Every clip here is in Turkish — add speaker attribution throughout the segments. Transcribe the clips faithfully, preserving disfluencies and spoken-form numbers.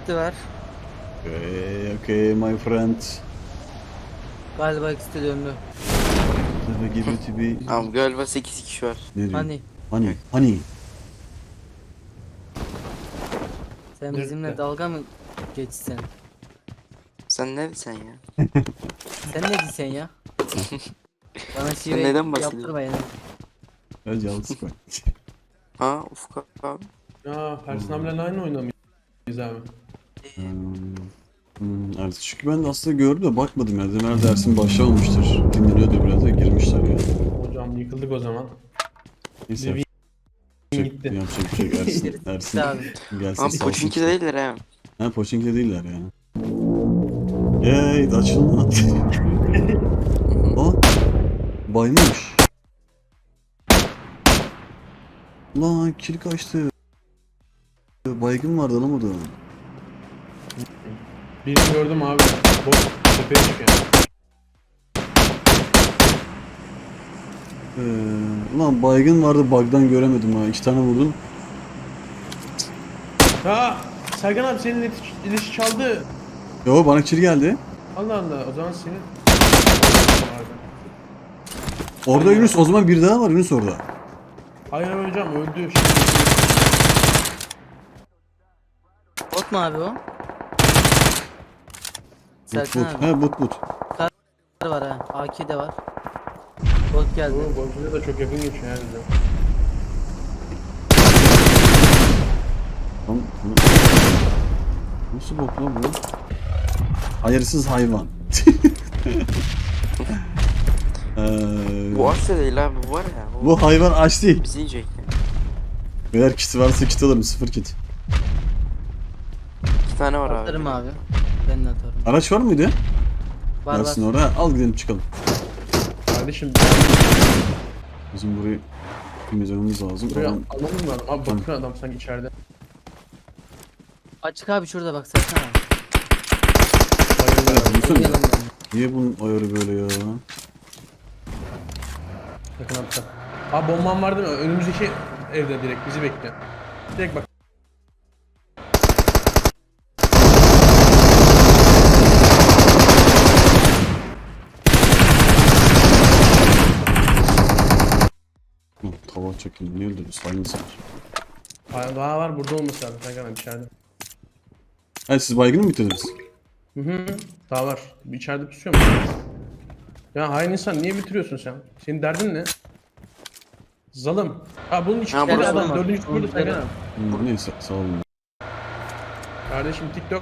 Speaker 1: kiti var.
Speaker 2: Okay, okay my friend.
Speaker 1: Galiba ikisi de döndü.
Speaker 2: Never give it to be.
Speaker 3: Abi galiba sekiz kişi var.
Speaker 2: Ne diyor?
Speaker 1: Hani
Speaker 2: Hani? Hani?
Speaker 1: sen
Speaker 4: Nerede?
Speaker 1: bizimle dalga mı geçsen?
Speaker 3: Sen ne sen ya?
Speaker 1: Sen ne diyorsun ya? Bana şive
Speaker 3: neden bahsediyorsun?
Speaker 1: yaptırma yani.
Speaker 2: Ben yalnız koy.
Speaker 3: Aa Ufuk abi.
Speaker 4: Ya Ersin abilerle aynı oyunda mıyız abi?
Speaker 2: Hmm, hmm, evet. Çünkü ben de aslında gördüm de bakmadım ya. Demer dersin başlamamıştır. Dinleniyordu biraz da girmişler ya.
Speaker 4: Hocam yıkıldık o zaman.
Speaker 2: Neyse.
Speaker 4: Levi
Speaker 2: Yapacak,
Speaker 4: gitti.
Speaker 2: yapacak bir şey yok. Ersin. Ersin.
Speaker 1: abi.
Speaker 2: Gelsin
Speaker 3: Abi
Speaker 2: sağ
Speaker 3: Pochinki
Speaker 2: olsun.
Speaker 3: değiller ha.
Speaker 2: Ha Pochinki değiller yani. Yey açılma. Aa baymış. Lan kill kaçtı. Baygın vardı alamadım.
Speaker 4: Birini gördüm abi. Bot tepeye çıkıyor.
Speaker 2: Ee, ulan baygın vardı bug'dan göremedim ha. İki tane vurdum.
Speaker 4: Ha Sergen abi senin iletiş, iletiş çaldı.
Speaker 2: Yo bana kill geldi.
Speaker 4: Allah Allah o zaman senin.
Speaker 2: Orada Yunus o zaman bir daha var Yunus orada.
Speaker 4: Hayır abi hocam öldü.
Speaker 1: Bot mu abi o?
Speaker 2: But
Speaker 1: Serkan
Speaker 2: but.
Speaker 1: abi.
Speaker 2: He but but.
Speaker 1: Var ha. A K de var. Bot geldi.
Speaker 4: Bu Boncu'ya da çok yakın geçiyor yani bize.
Speaker 2: Lan, lan. Nasıl bok lan bu? Hayırsız hayvan. ee,
Speaker 3: Bu aç da değil abi bu var ya. Bu,
Speaker 2: bu hayvan aç değil.
Speaker 3: bizi yiyecek ya.
Speaker 2: Beyler kiti varsa kit alırım sıfır kit.
Speaker 3: İki tane var abi.
Speaker 1: Atarım abi. Ben de atarım.
Speaker 2: Araç var mıydı?
Speaker 1: Var
Speaker 2: Gelsin
Speaker 1: var.
Speaker 2: oraya al gidelim çıkalım.
Speaker 4: Kardeşim
Speaker 2: Bizim burayı temizlememiz lazım.
Speaker 4: buraya
Speaker 2: Adam-
Speaker 4: alalım mı adam? Abi bakıyor adam sanki içeride.
Speaker 1: Açık abi şurada bak Serkan abi.
Speaker 4: Bayılıyor abi.
Speaker 2: Yunus'un
Speaker 1: Oynayalım yani.
Speaker 2: niye bunun ayarı böyle ya?
Speaker 4: Yakın hatta. Abi bomban var değil mi? Önümüzdeki evde direkt bizi bekliyor. Direkt bak.
Speaker 2: Hı, tava çekildi. Niye öldürdü? Silence var.
Speaker 4: Aa, daha var burada olması lazım Sergen abi içeride.
Speaker 2: Hayır siz baygını mı bitirdiniz?
Speaker 4: Hı hı. Daha var. İçeride pusuyor mu? Ya hain insan niye bitiriyorsun sen? Senin derdin ne? Zalım. Ha bunun içinde
Speaker 3: Ha,
Speaker 4: de
Speaker 3: burası
Speaker 4: adam
Speaker 1: var.
Speaker 4: dördüncü burada
Speaker 1: Burada
Speaker 4: Sergen
Speaker 1: var.
Speaker 4: abi.
Speaker 2: Hı, neyse sağ olun.
Speaker 4: Kardeşim TikTok.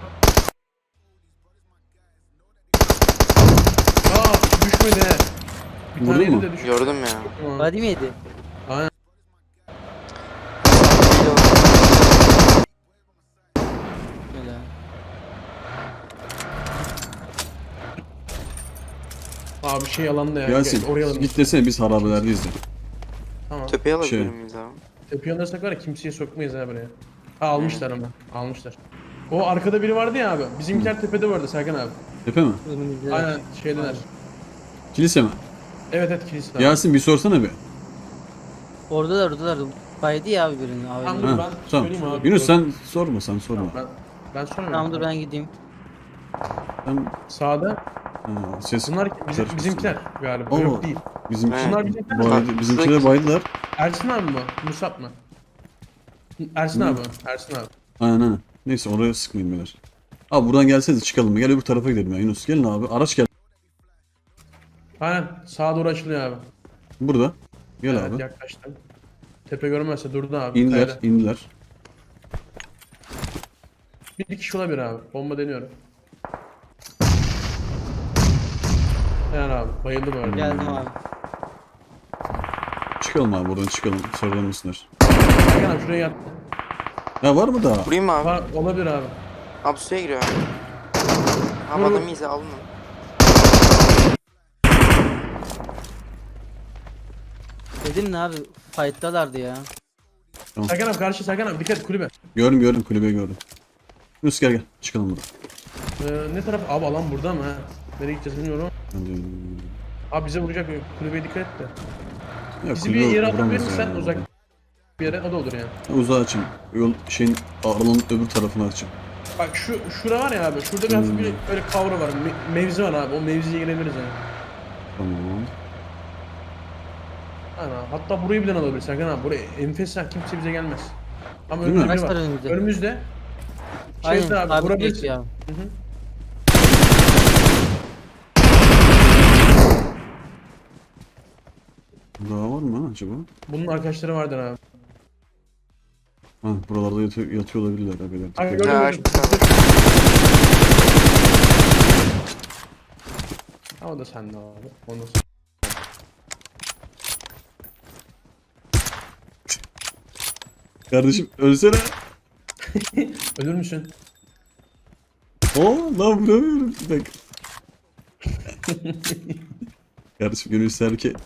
Speaker 4: Aa düşmedi he. Bir
Speaker 2: Vurdun
Speaker 4: tane yedi
Speaker 2: mu?
Speaker 4: de düştü.
Speaker 3: Gördüm ya.
Speaker 4: Tamam.
Speaker 1: Body mi yedi?
Speaker 4: Aynen.
Speaker 1: Öyle.
Speaker 4: Abi şey alanda ya.
Speaker 2: Yasin
Speaker 4: Gel, oraya alalım.
Speaker 2: git desene biz harabelerdeyiz de.
Speaker 4: Tamam.
Speaker 3: Tepeye alabilir
Speaker 2: Şey.
Speaker 3: miyiz abi?
Speaker 4: Tepe alırsak var ya kimseye sokmayız ha buraya. Ha almışlar ama. Almışlar. O arkada biri vardı ya abi. Bizimkiler tepede vardı Serkan abi.
Speaker 2: Tepe mi?
Speaker 1: Önümüzde.
Speaker 4: Aynen şeydeler.
Speaker 2: Kilise mi?
Speaker 4: Evet evet kilise.
Speaker 2: Yasin bir sorsana bir.
Speaker 1: Oradalar oradalar. Baydı ya abi birini. Abi.
Speaker 4: Tamam, dur.
Speaker 2: Ha,
Speaker 4: ben
Speaker 2: tamam.
Speaker 4: söyleyeyim abi.
Speaker 2: Yunus sen sorma sen sorma.
Speaker 4: Ben ben sormuyorum.
Speaker 1: Tamam dur ben gideyim.
Speaker 2: Sen
Speaker 4: Sağda.
Speaker 2: ha, ses
Speaker 4: Bunlar bizim,
Speaker 2: karışmasın.
Speaker 4: bizimkiler galiba.
Speaker 2: Oo.
Speaker 4: Yok değil.
Speaker 2: Bizim
Speaker 3: He.
Speaker 4: Bunlar bizimkiler.
Speaker 2: baydı, bizimkiler baydılar.
Speaker 4: Ersin abi mi bu? Musab mı? Ersin
Speaker 2: Hı.
Speaker 4: abi. Ersin abi.
Speaker 2: Aynen aynen. Neyse oraya sıkmayın beyler. Abi buradan gelseniz çıkalım. Gel öbür tarafa gidelim ya Yunus. Gelin abi. Araç gel.
Speaker 4: Aynen. Sağa doğru açılıyor abi.
Speaker 2: Burada. Gel
Speaker 4: Evet
Speaker 2: abi.
Speaker 4: yaklaştım. Tepe görünmezse durdu abi.
Speaker 2: İndiler,
Speaker 4: Kayada.
Speaker 2: indiler.
Speaker 4: Bir kişi olabilir abi. Bomba deniyorum. Yani abi bayıldı bu arada.
Speaker 1: Geldim abi.
Speaker 2: Çıkalım abi buradan çıkalım. Sarılamasınlar.
Speaker 4: Serkan abi şuraya yattı.
Speaker 2: Ya var mı daha?
Speaker 3: Vurayım mı abi?
Speaker 4: Var, olabilir abi.
Speaker 3: Abi suya giriyor abi. Abi
Speaker 4: Vur, vur.
Speaker 3: adamı izle alın onu.
Speaker 1: Dedim ne abi? Fight'talardı ya.
Speaker 4: Serkan abi karşı Serkan abi dikkat et kulübe.
Speaker 2: Gördüm gördüm kulübeyi gördüm. Yunus gel gel. Çıkalım buradan.
Speaker 4: Ee, ne taraf? Abi alan burada mı ha? Nereye gideceğiz bilmiyorum.
Speaker 2: Hadi.
Speaker 4: Abi bize vuracak kulübeye dikkat et de.
Speaker 2: Ya,
Speaker 4: Bizi bir
Speaker 2: kulübe
Speaker 4: yere
Speaker 2: vuramaz
Speaker 4: atabilir misin
Speaker 2: ya.
Speaker 4: uzak bir yere o da olur yani.
Speaker 2: Uzağa açayım. Yol şeyin alanın öbür tarafına açayım.
Speaker 4: Bak şu şura var ya abi. Şurada bir hafif bir öyle kavra var. me- mevzi var abi. O mevziye girebiliriz yani.
Speaker 2: Tamam.
Speaker 4: Ana, hatta burayı birden alabiliriz Serkan abi. Buraya enfes ya, kimse bize gelmez. Ama
Speaker 2: Değil mi?
Speaker 4: önümüzde
Speaker 1: Kaç
Speaker 4: var.
Speaker 1: var önümüzde?
Speaker 4: Önümüzde.
Speaker 1: Aynen
Speaker 4: Şeyde abi,
Speaker 1: sabit
Speaker 4: vurabilirsin.
Speaker 1: geçiyor abi.
Speaker 4: Hı hı.
Speaker 2: Daha var mı acaba?
Speaker 4: Bunun arkadaşları vardır abi.
Speaker 2: Ha, buralarda yatıyor, yatıyor olabilirler abiler.
Speaker 4: Ay,
Speaker 2: Dikkat
Speaker 4: gördüm,
Speaker 2: edin.
Speaker 3: Ya,
Speaker 4: gördüm. Ha, o da sende abi. Onu da
Speaker 2: Kardeşim ölsene.
Speaker 4: ölür müsün?
Speaker 2: Oo lan vuramıyorum. Bir dakika. Kardeşim gönül ister ki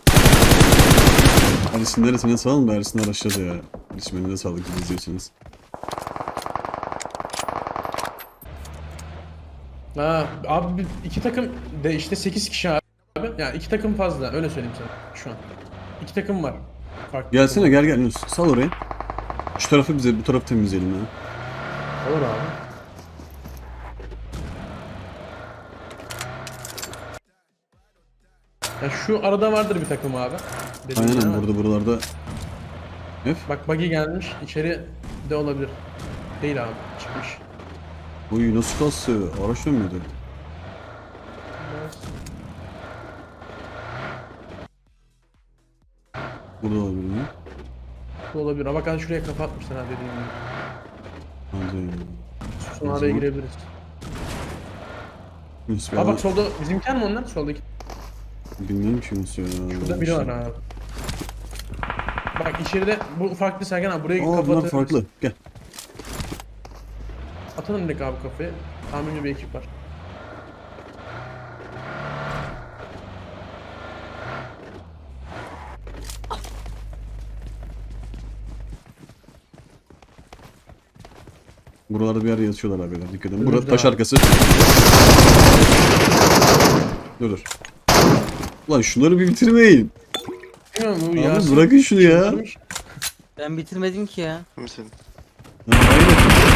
Speaker 2: Ersin neresine sağ da Ersin araçladı ya. Ersin beni de sağlık bizi izliyorsunuz.
Speaker 4: Ha, abi bir- iki takım de işte sekiz kişi abi. Yani iki takım fazla, öyle söyleyeyim sana şu an. İki takım var. Farklı
Speaker 2: Gelsene
Speaker 4: takım.
Speaker 2: gel gel Yunus. Sal oraya. Şu tarafı bize bu tarafı temizleyelim ya.
Speaker 4: Olur abi. Ya şu arada vardır bir takım abi. Dediğin gibi
Speaker 2: Aynen
Speaker 4: ama
Speaker 2: burada buralarda. F.
Speaker 4: bak buggy gelmiş, içeri de olabilir. Değil abi, çıkmış.
Speaker 2: Uy nasıl kastı? Araç dönmedi. Burada olabilir mi?
Speaker 4: Bu olabilir. Ama bak hadi şuraya kafa atmışlar ha, dediğim gibi.
Speaker 2: Hadi.
Speaker 4: Sonra
Speaker 2: O
Speaker 4: araya
Speaker 2: zaman-
Speaker 4: girebiliriz.
Speaker 2: Yunus bir
Speaker 4: Aa
Speaker 2: ara-
Speaker 4: bak solda bizimkiler mi onlar? Soldaki.
Speaker 2: Bilmiyorum ki Yunus ya.
Speaker 4: Şurada biri var abi. Bak içeride bu farklı Sergen abi, buraya
Speaker 2: Aa
Speaker 4: kafa
Speaker 2: bunlar
Speaker 4: atabiliriz.
Speaker 2: farklı. Gel.
Speaker 4: Atalım direkt abi kafayı. Tahminli bir ekip var.
Speaker 2: Buralarda bir yer yatıyorlar abiler. Dikkat edin.
Speaker 4: Önümüzde
Speaker 2: Burada taş
Speaker 4: abi.
Speaker 2: arkası. Dur dur. Ulan şunları bir bitirmeyin.
Speaker 4: Bilmiyorum bu
Speaker 2: Abi
Speaker 4: Yasin
Speaker 2: bırakın şunu ya.
Speaker 4: çıldırmış.
Speaker 1: Ben bitirmedim ki ya.
Speaker 3: Mesela.
Speaker 2: Ya, aynen.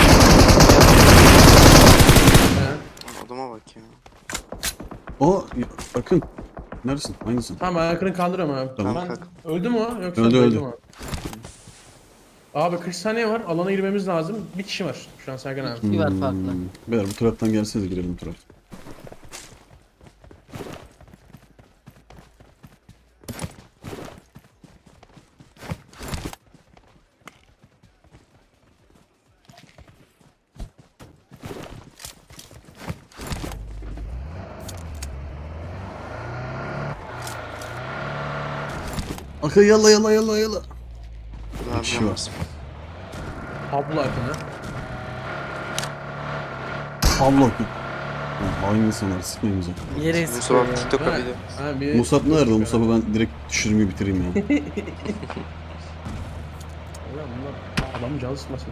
Speaker 4: He.
Speaker 3: Adama bak ya.
Speaker 2: Aa ya, bakın. Neredesin? Aynısın.
Speaker 4: Tamam ayaklarını kaldırıyorum abi.
Speaker 2: Tamam.
Speaker 4: Ben-
Speaker 3: Kalk.
Speaker 4: öldü mü o? Yoksa
Speaker 2: Öldü, öldü.
Speaker 4: mü? Abi kırk saniye var. Alana girmemiz lazım. Bir kişi var şu an Sergen abi.
Speaker 1: Bir var farklı.
Speaker 2: Hmm. Beyler bu taraftan gelsenize girelim bu taraf. Aka yalla yalla yalla yalla.
Speaker 3: Ne
Speaker 2: kişi
Speaker 3: yapacağım?
Speaker 4: Pablo akını.
Speaker 2: Allah git. Hain insanlar sıkmayın bize.
Speaker 1: Nereye sıkıyor
Speaker 3: Mustafa
Speaker 1: ya?
Speaker 3: TikTok'a
Speaker 4: Ha,
Speaker 3: video.
Speaker 4: ha, bir-
Speaker 2: Musab nerede? Musab'ı ben direkt düşürmeyi bitireyim ya.
Speaker 4: Ulan bunlar adamın canı sıkmasın.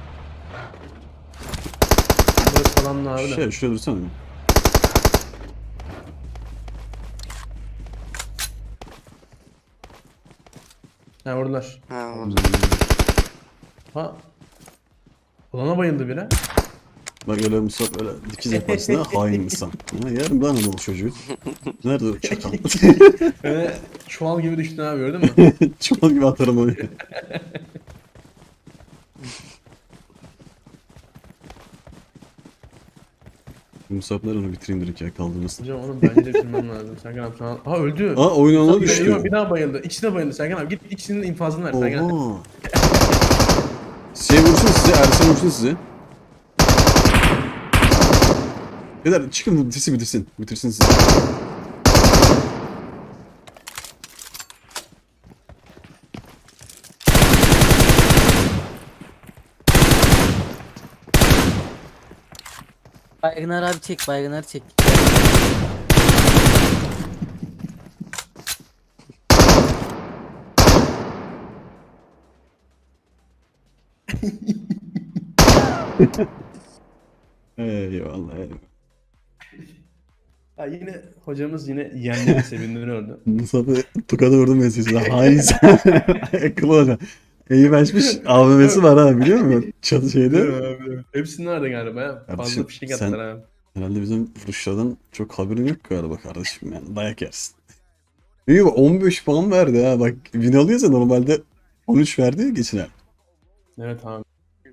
Speaker 4: Burası falanlı abi de.
Speaker 2: Şey şuraya dursana. bir.
Speaker 4: Ha oradalar.
Speaker 3: Ha orada.
Speaker 4: Ha. Ulana bayıldı biri.
Speaker 2: Bak öyle Musab öyle dikiz yaparsın ha hain insan. Ha, yarın ben Anadolu çocuğu. Nerede o çakal?
Speaker 4: Öyle çuval gibi düştün abi, gördün mü?
Speaker 2: Çuval gibi atarım onu. Musab nerede onu bitireyim direkt ya kaldırmasın.
Speaker 4: Hocam onu bence de bitirmem lazım. Sergen abi sana... Ha öldü.
Speaker 2: Aa oyun ona
Speaker 4: Bir, bir,
Speaker 2: düştü.
Speaker 4: bir daha bayıldı. İkisi de bayıldı. Sergen abi git ikisinin infazını ver Sergen abi.
Speaker 2: Oha. Şey vursun size, Ersin vursun size. Beyler çıkın bitirsin bitirsin. Bitirsin sizi.
Speaker 1: Baygınar abi çek, baygınar çek.
Speaker 2: Eyvallah eyvallah.
Speaker 4: Ha, yine hocamız yine yeğenleri sevindiriyordu.
Speaker 2: Musab'ı tukada vurdum ben size. Hain insan. Akıllı olacak. Eyüp açmış A V M'si var ha biliyor musun? Çatı şeyde.
Speaker 4: Abi. Hepsi nerede galiba ya? Fazla
Speaker 2: Kardeşim,
Speaker 4: fişek
Speaker 2: sen-
Speaker 4: attılar abi.
Speaker 2: Herhalde bizim vuruşlardan çok haberin yok galiba kardeşim yani. Dayak yersin. Eyüp on beş puan verdi ha bak. Win alıyorsa normalde on üç verdi ya geçen el.
Speaker 4: Evet abi.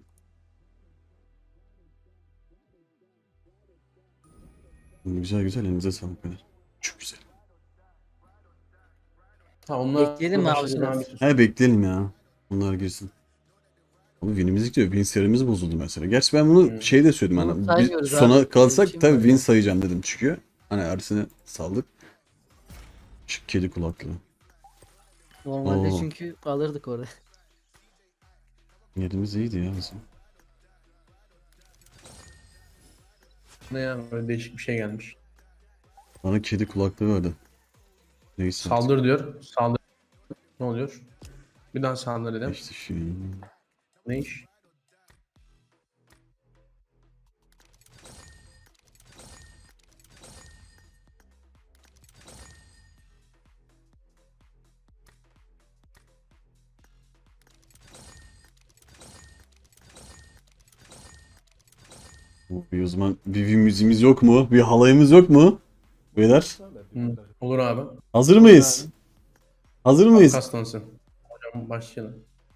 Speaker 2: Güzel güzel elinize sağlık beyler. Çok güzel.
Speaker 4: Ha onlar
Speaker 1: Bekleyelim mi abi
Speaker 4: başlasın
Speaker 1: biraz?
Speaker 2: He bekleyelim ya. Bunlar girsin. Ama win'imiz gidiyor. Win serimiz bozuldu mesela. Gerçi ben bunu
Speaker 4: Hmm.
Speaker 2: şey de söyledim
Speaker 1: Bunu
Speaker 2: hani. Bir
Speaker 1: saymıyoruz
Speaker 2: sona
Speaker 1: abi.
Speaker 2: kalsak
Speaker 1: Bizim
Speaker 2: tabii
Speaker 1: için
Speaker 2: win
Speaker 1: var.
Speaker 2: sayacağım dedim çünkü. Hani Ersin'e saldık. Şu kedi kulaklı.
Speaker 1: Normalde
Speaker 2: Oo.
Speaker 1: çünkü alırdık orada.
Speaker 2: Yerimiz iyiydi ya bizim.
Speaker 4: Ne ya böyle değişik bir şey gelmiş.
Speaker 2: Bana kedi kulaklığı verdi. Neyse.
Speaker 4: Saldır diyor. Saldır. Ne oluyor? Bir daha saldır dedim.
Speaker 2: İşte şey.
Speaker 4: Ne iş?
Speaker 2: Bir o zaman bir win müziğimiz yok mu? Bir halayımız yok mu? Beyler.
Speaker 4: Hı. Olur abi.
Speaker 2: Hazır mıyız? Hazır mıyız?
Speaker 4: Kaslansın. Hocam başlayalım.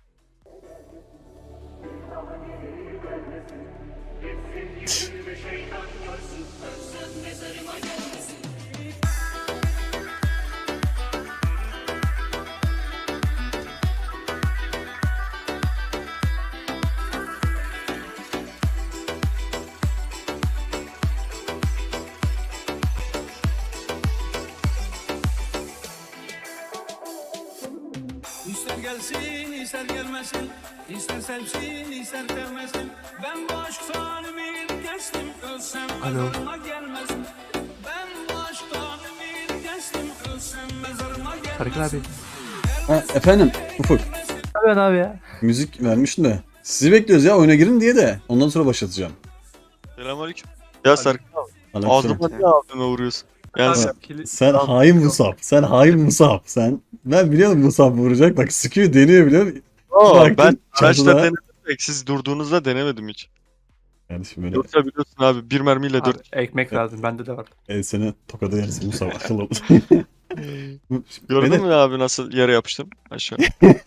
Speaker 5: İster gelsin, ister gelmesin, ister sevsin, ister sevmesin. Ben bu aşktan ümit kestim, ölsem mezarıma gelmesin. Ben bu aşktan ümit kestim, ölsem mezarıma gelmesin.
Speaker 6: Tarık abi.
Speaker 2: Ha, efendim Ufuk.
Speaker 6: Evet abi ya.
Speaker 2: Müzik vermiştim de. Sizi bekliyoruz ya oyuna girin diye de. Ondan sonra başlatacağım.
Speaker 7: Selamünaleyküm. Ya Serkan
Speaker 2: Aleykümselam.
Speaker 7: ağzıma niye ağzıma vuruyorsun? Yani sen,
Speaker 2: Sen hain Musab. Sen hain Musab. Sen ben biliyorum Musab vuracak. Bak sıkıyor deniyor biliyor musun?
Speaker 7: Aa,
Speaker 2: Baktın,
Speaker 7: ben araçla
Speaker 2: çatıda-
Speaker 7: denedim. de Siz durduğunuzda denemedim hiç.
Speaker 2: Kardeşim böyle
Speaker 7: Yoksa biliyorsun abi bir mermiyle
Speaker 6: Abi,
Speaker 7: dört.
Speaker 6: ekmek lazım bende de var.
Speaker 2: el seni tokada yersin Musab akıl ol.
Speaker 7: Gördün
Speaker 2: Beni-
Speaker 7: mü abi nasıl yere yapıştım aşağı?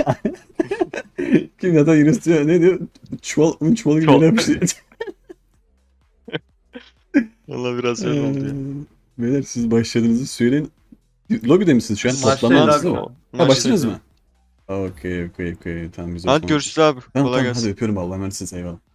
Speaker 2: Kim ya da Yunus diyor ne diyor? Çuval, un çuvalı gibi
Speaker 7: Çuval.
Speaker 2: yere yapıştı.
Speaker 7: Valla biraz öyle oldu ya.
Speaker 2: Ee, Beyler siz başladığınızı söyleyin. Lobide misiniz şu an?
Speaker 6: Başlayın
Speaker 2: Toplanmadınız
Speaker 6: abi.
Speaker 2: değil mi?
Speaker 7: O-
Speaker 2: Ha başladınız
Speaker 7: maçta-
Speaker 2: mı? Okey okey okey. Tamam güzel.
Speaker 7: Hadi
Speaker 2: tamam.
Speaker 7: görüşürüz abi.
Speaker 2: Tamam
Speaker 7: Kolay
Speaker 2: tamam
Speaker 7: gelsin.
Speaker 2: hadi öpüyorum Allah'a emanetsiniz eyvallah.